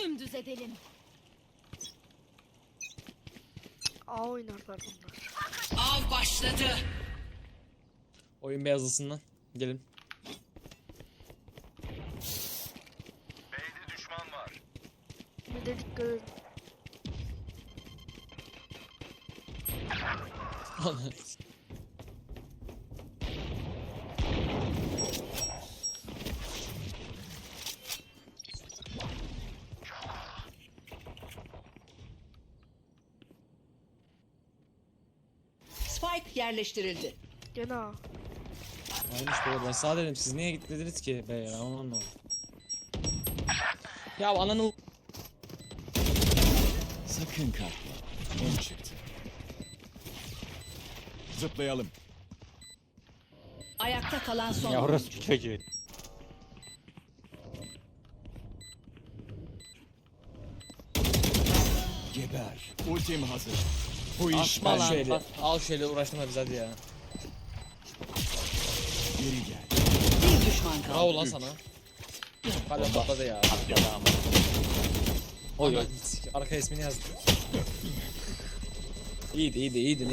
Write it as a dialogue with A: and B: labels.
A: Dümdüz edelim.
B: A oynarlar bunlar.
C: Av başladı.
D: Oyun beyazlısından. Gelin.
E: B'de düşman var.
B: Bir de dikkat edin.
C: Spike yerleştirildi.
B: Gene A.
D: Aynen işte ben sağ dedim, siz niye gitmediniz ki be ya, onu anlamadım. Ya ananı
E: Sakın kalkma. Ön çıktı. Zıplayalım.
C: Ayakta kalan son.
F: Ya orası çocuğu.
E: Geber. Ultim hazır. Bu iş
D: al
F: lan,
D: şöyle.
F: bas.
D: Al şöyle, uğraştırma biz hadi ya.
E: geri gel.
C: Bir düşman kaldı.
D: Bravo lan sana. Hala patladı ya.
F: Oy oy.
D: Arka ismini yazdı. İyiydi.